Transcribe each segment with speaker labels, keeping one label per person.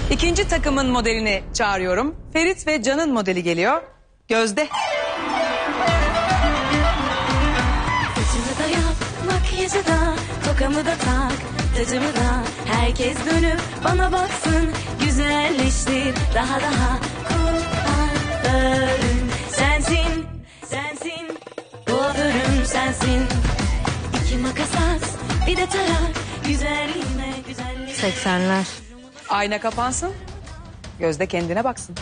Speaker 1: İkinci takımın modelini çağırıyorum. Ferit ve Can'ın modeli geliyor. Gözde.
Speaker 2: Saçımı da yap, makyajı da, tokamı da tak, tacımı da. Herkes dönüp bana baksın, güzelleştir daha daha. Kuaförüm sensin, sensin, kuaförüm sensin. İki makas at, bir de tarak, güzelliğime güzelliğime.
Speaker 3: 80'ler.
Speaker 1: Ayna kapansın. Gözde kendine baksın.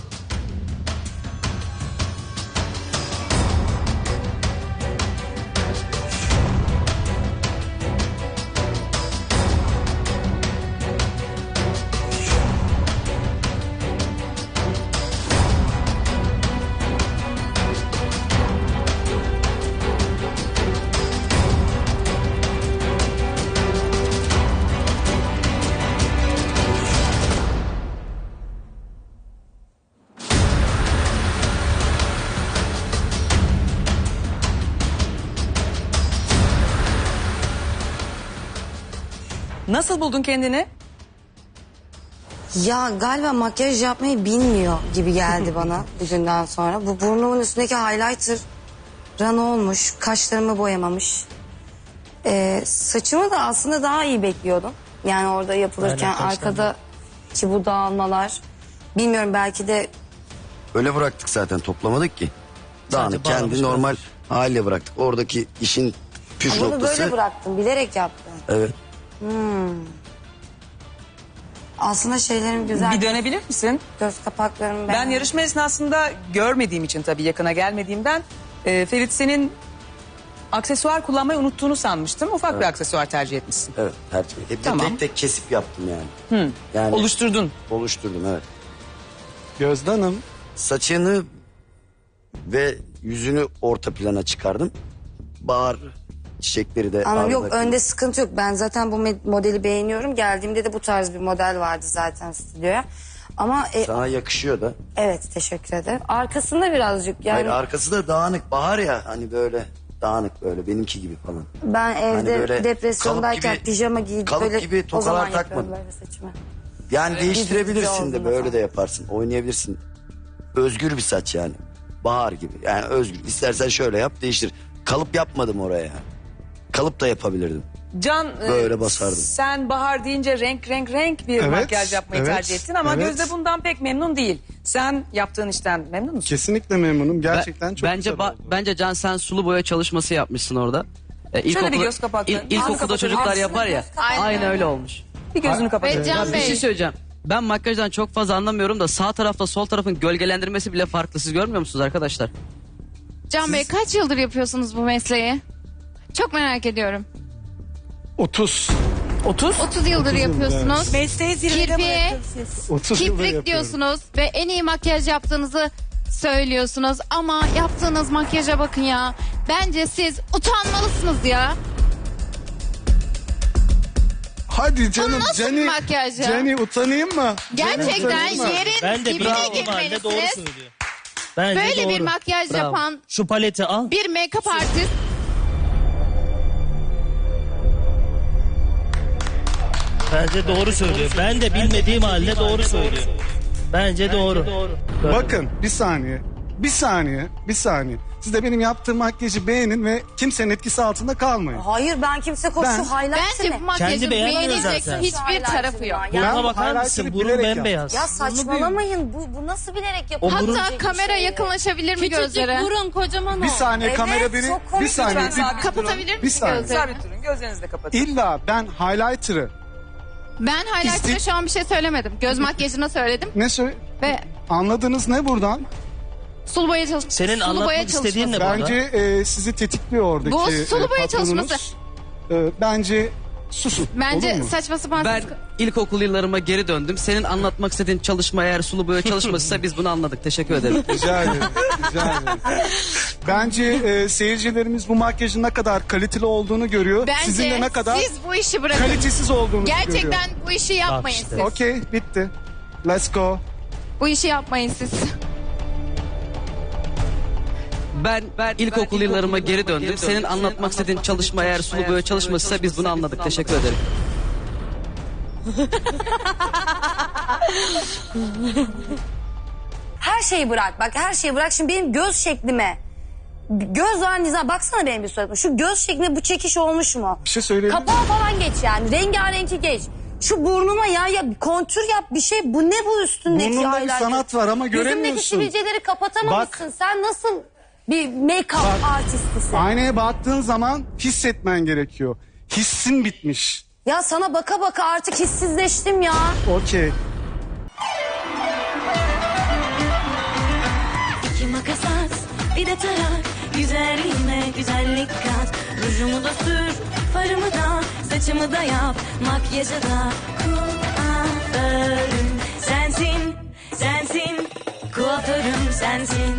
Speaker 1: Nasıl buldun kendini?
Speaker 3: Ya galiba makyaj yapmayı bilmiyor gibi geldi bana bugünden sonra. Bu burnumun üstündeki highlighter rana olmuş, kaşlarımı boyamamış. Saçımı da aslında daha iyi bekliyordum. Yani orada yapılırken arkadaki bu dağılmalar. Bilmiyorum, belki de
Speaker 4: Öyle bıraktık zaten, toplamadık ki. Dağınık kendi normal haliyle bıraktık. Oradaki işin püf
Speaker 3: bunu
Speaker 4: noktası.
Speaker 3: böyle bıraktım, bilerek yaptım.
Speaker 4: Evet.
Speaker 3: Aslında şeylerim güzel.
Speaker 1: Bir dönebilir misin?
Speaker 3: Göz kapaklarım
Speaker 1: Ben yarışma esnasında görmediğim için, tabii yakına gelmediğimden, Ferit senin aksesuar kullanmayı unuttuğunu sanmıştım. Ufak bir aksesuar tercih etmişsin.
Speaker 4: Evet, tercih. Hep
Speaker 1: Tamam.
Speaker 4: tek tek kesip yaptım yani. Yani
Speaker 1: Oluşturdun.
Speaker 4: oluşturdum, evet.
Speaker 5: Gözde Hanım,
Speaker 4: Saçını ve yüzünü orta plana çıkardım. Bahar çiçekleri de...
Speaker 3: Ama yok,
Speaker 4: ardındaki-
Speaker 3: önde sıkıntı yok. Ben zaten bu modeli beğeniyorum. Geldiğimde de bu tarz bir model vardı zaten stüdyoya. Ama
Speaker 4: Sana yakışıyor da.
Speaker 3: evet, teşekkür ederim. Arkasında birazcık yani
Speaker 4: Hayır, arkası da dağınık. Bahar ya, hani böyle dağınık, böyle benimki gibi falan.
Speaker 3: ben evde
Speaker 4: Hani böyle
Speaker 3: depresyondayken
Speaker 4: kalıp gibi-
Speaker 3: pijama giyip
Speaker 4: kalıp
Speaker 3: böyle
Speaker 4: gibi
Speaker 3: o zaman
Speaker 4: tokalar
Speaker 3: yapıyorum
Speaker 4: takmadım.
Speaker 3: böyle saçımı.
Speaker 4: Yani değiştirebilirsin
Speaker 3: olduğunda
Speaker 4: de, böyle
Speaker 3: falan.
Speaker 4: de yaparsın. Oynayabilirsin. Özgür bir saç yani. Bahar gibi. Yani özgür. İstersen şöyle yap, değiştir. Kalıp yapmadım oraya yani. Kalıp da yapabilirdim.
Speaker 1: Can,
Speaker 4: Böyle basardım.
Speaker 1: sen Bahar deyince renk bir
Speaker 5: Evet,
Speaker 1: makyaj yapmayı
Speaker 5: evet,
Speaker 1: tercih ettin ama
Speaker 5: evet.
Speaker 1: Gözde bundan pek memnun değil. Sen yaptığın işten memnun musun?
Speaker 5: kesinlikle memnunum. Gerçekten çok
Speaker 6: bence
Speaker 5: güzel oldu.
Speaker 6: bence Can, sen sulu boya çalışması yapmışsın orada.
Speaker 1: Şöyle bir göz kapakları.
Speaker 6: İlkokulda
Speaker 1: Ağzını
Speaker 6: çocuklar
Speaker 1: kapatın.
Speaker 6: yapar ya. Aynı öyle olmuş.
Speaker 1: Bir gözünü kapat.
Speaker 3: Ve Can
Speaker 6: Ya bir
Speaker 3: Bey,
Speaker 6: şey söyleyeceğim. Ben makyajdan çok fazla anlamıyorum da sağ tarafla sol tarafın gölgelendirmesi bile farklı. Siz görmüyor musunuz arkadaşlar?
Speaker 7: Can Bey, kaç yıldır yapıyorsunuz bu mesleği? Çok merak ediyorum.
Speaker 5: 30.
Speaker 7: 30 yıldır yapıyorsunuz.
Speaker 8: Mesleği zirvede
Speaker 7: Kirpiğe,
Speaker 8: bırakın siz.
Speaker 5: 30 yıldır
Speaker 7: kiprik
Speaker 5: yapıyorum.
Speaker 7: diyorsunuz ve en iyi makyaj yaptığınızı söylüyorsunuz. Ama yaptığınız makyaja bakın ya. Bence siz utanmalısınız ya.
Speaker 5: Hadi canım,
Speaker 7: nasıl bir makyaj ya?
Speaker 5: Jenny utanayım mı?
Speaker 7: Gerçekten
Speaker 5: utanayım mı?
Speaker 7: yerin
Speaker 9: Ben de
Speaker 7: dibine
Speaker 9: bravo, mahalle doğru
Speaker 7: girmelisiniz.
Speaker 9: söylüyor. Bence
Speaker 7: Böyle
Speaker 9: doğru.
Speaker 7: bir makyaj
Speaker 9: Bravo.
Speaker 7: yapan
Speaker 9: Şu paleti al.
Speaker 7: bir make-up artist.
Speaker 9: Bence doğru söylüyor. Ben de bilmediğim halde doğru söylüyor. Bence doğru.
Speaker 5: Bakın, bir saniye. Bir saniye. Siz de benim yaptığım makyajı beğenin ve kimsenin etkisi altında kalmayın.
Speaker 3: hayır, ben kimse koş
Speaker 5: Ben-
Speaker 3: şu highlighter
Speaker 7: Bence bu
Speaker 3: ne?
Speaker 7: makyajın
Speaker 9: Kendi beğenmiyor
Speaker 7: beğenilecek
Speaker 9: zaten.
Speaker 7: hiçbir tarafı yok.
Speaker 5: Ben
Speaker 9: Burnuna
Speaker 5: bu
Speaker 9: bakar
Speaker 5: highlighter'ı
Speaker 9: mısın? Burun
Speaker 5: bilerek
Speaker 9: bembeyaz.
Speaker 3: Ya saçmalamayın, bu nasıl bilerek yapılacak
Speaker 7: Hatta
Speaker 3: bir
Speaker 7: kamera
Speaker 3: şey?
Speaker 7: yakınlaşabilir mi
Speaker 8: Küçücük
Speaker 7: gözlere?
Speaker 8: burun, kocaman o.
Speaker 5: Bir saniye,
Speaker 3: Evet,
Speaker 5: kamera beni...
Speaker 3: çok komik
Speaker 5: Bir saniye.
Speaker 1: lütfen sabit
Speaker 7: Kapatabilir
Speaker 5: Bir
Speaker 7: misin
Speaker 5: saniye.
Speaker 7: gözleri?
Speaker 1: Sabit durun, gözlerinizi de kapatın.
Speaker 5: İlla ben highlighter'ı
Speaker 7: Ben highlighter'a şu an bir şey söylemedim. Göz makyajına söyledim
Speaker 5: ne söyle...
Speaker 7: ve
Speaker 5: Anladınız ne buradan?
Speaker 7: sulu boya çalışması.
Speaker 9: Senin anlatmak istediğin ne burada?
Speaker 5: Bence sizi tetikliyor oradaki
Speaker 7: Bu sulu boya
Speaker 5: patronunuz.
Speaker 7: çalışması.
Speaker 5: Bence susun.
Speaker 7: Bence
Speaker 5: olur mu?
Speaker 7: saçma sapan.
Speaker 6: Ben ilkokul yıllarıma geri döndüm. Senin anlatmak istediğin çalışma eğer sulu boya çalışmasıysa biz bunu anladık. Teşekkür ederim.
Speaker 5: Rica ederim. Rica ederim. Bence seyircilerimiz bu makyajın ne kadar kaliteli olduğunu görüyor.
Speaker 7: Bence
Speaker 5: Sizin de ne kadar
Speaker 7: siz bu işi bırakın.
Speaker 5: kalitesiz olduğunuzu görüyor.
Speaker 7: Gerçekten bu işi yapmayın
Speaker 9: işte.
Speaker 7: siz.
Speaker 5: Okey, bitti. Let's go.
Speaker 7: Bu işi yapmayın siz.
Speaker 6: Ben ilkokul yıllarıma geri döndüm. Senin anlatmak istediğin çalışma eğer sulu boya çalışmasıysa biz bunu anladık. Teşekkür ederim.
Speaker 3: Her şeyi bırak bak, her şeyi bırak. Şimdi benim göz şeklime, göz var nizam, baksana benim bir suratıma. Şu göz şeklime bu çekiş olmuş mu?
Speaker 5: Bir şey söyleyeyim mi?
Speaker 3: Kapağı falan geç yani, rengarenki geç. Şu burnuma ya kontür yap bir şey. Bu ne bu üstündeki
Speaker 5: Burnunda bir
Speaker 3: highlighter?
Speaker 5: sanat var ama
Speaker 3: Yüzündeki
Speaker 5: göremiyorsun.
Speaker 3: sivilceleri kapatamamışsın. Sen nasıl bir make-up artistisin?
Speaker 5: Aynaya baktığın zaman hissetmen gerekiyor. Hissin bitmiş.
Speaker 3: Ya sana baka baka artık hissizleştim ya.
Speaker 5: Okey.
Speaker 2: İki makas at, bir de tarak. Güzelliğime güzellik kat. Rujumu da sür, farımı da, saçımı da yap. Makyajı da kuaförüm sensin, sensin. Kuaförüm sensin.